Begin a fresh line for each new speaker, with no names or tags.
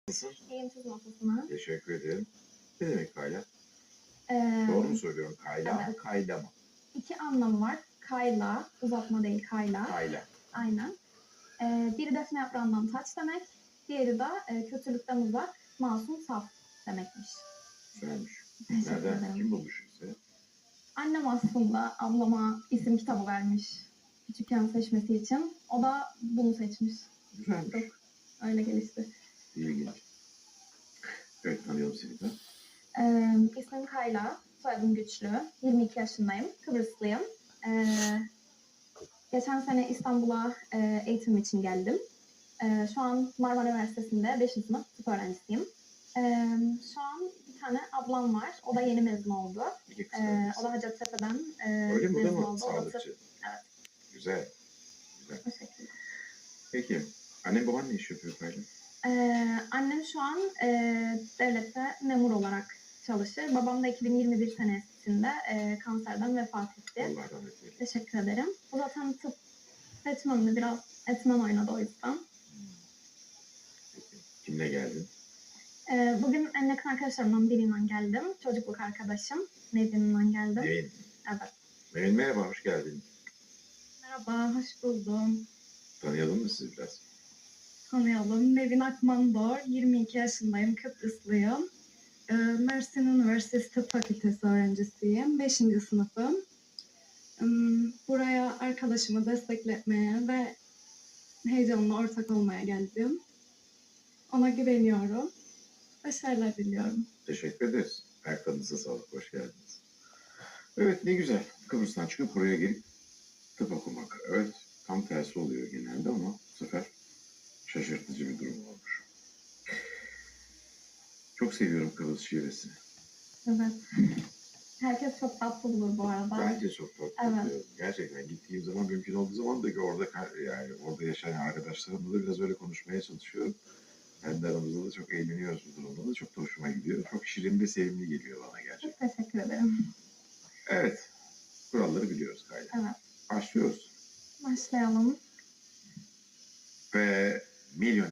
Nasılsın?
İyiyim, siz nasılsınız?
Teşekkür ederim. Ne demek kayla?
Ee,
Doğru mu söylüyorum? Kayla mı,
evet.
kayla mı?
İki anlamı var. Kayla, uzatma değil kayla.
Kayla.
Aynen. Biri defne yaprağından taç demek. Diğeri de kötülükten uzak, masum, saf demekmiş.
Güzelmiş.
Teşekkür
Nereden?
ederim.
Kim bulmuş size?
Annem aslında ablama isim kitabı vermiş. Küçükken seçmesi için. O da bunu seçmiş.
Güzelmiş.
Çok öyle gelişti.
İlginç. Evet, tanıyalım seni de.
İsmim Kayla, soyadım Güçlü. 22 yaşındayım, Kıbrıslıyım. Geçen sene İstanbul'a eğitim için geldim. Şu an Marmara Üniversitesi'nde 5. sınıf tıp öğrencisiyim. Şu an bir tane ablam var. O da yeni mezun oldu.
İki kız kardeşsin.
O da Hacettepe'den
Öyle mi? Bu da
mezun
mı
oldu. O da tıp.
sağlıkçı?
Evet,
Güzel. Güzel.
o şekilde.
Peki, annen baban ne iş yapıyor Kayla?
Annem şu an devlette memur olarak çalışır. Babam da 2021 senesinde kanserden vefat etti.
Allah rahmet eylesin.
Teşekkür ederim. O zaten tıp seçmemde biraz etmen oynadı o yüzden.
Peki. Kimle geldin?
Bugün en yakın arkadaşlarımdan biriyle geldim. Çocukluk arkadaşım. Nevin'le geldim.
Nevin.
Evet.
Nevin merhaba, hoş geldin.
Merhaba, hoş buldum.
Tanıyalım mı sizi biraz?
Tanıyalım. Nevin Akmandor, 22 yaşındayım, Kıbrıslıyım. Mersin Üniversitesi Tıp Fakültesi öğrencisiyim. 5. sınıfım. Buraya arkadaşımı destekletmeye ve heyecanla ortak olmaya geldim. Ona güveniyorum. Başarılar diliyorum.
Teşekkür ederiz. Ayaklarınıza sağlık, hoş geldiniz. Evet, ne güzel. Kıbrıs'tan çıkıp buraya gelip tıp okumak. Evet, tam tersi oluyor genelde ama bu sefer şaşırtıcı bir durum olmuş. Çok seviyorum Kıbrıs şivesini.
Evet. Herkes çok tatlı bulur bu arada.
Bence çok tatlı.
Evet.
Gerçekten gittiğim zaman mümkün olduğu zaman da orada yani orada yaşayan arkadaşlarımla da biraz öyle konuşmaya çalışıyorum. Kendi aramızda da çok eğleniyoruz bu durumda da. Çok da hoşuma gidiyor. Çok şirin ve sevimli geliyor bana gerçekten.
Çok teşekkür ederim.
Evet. Kuralları biliyoruz Kayla.
Evet.
Başlıyoruz.
Başlayalım.
Ve milyon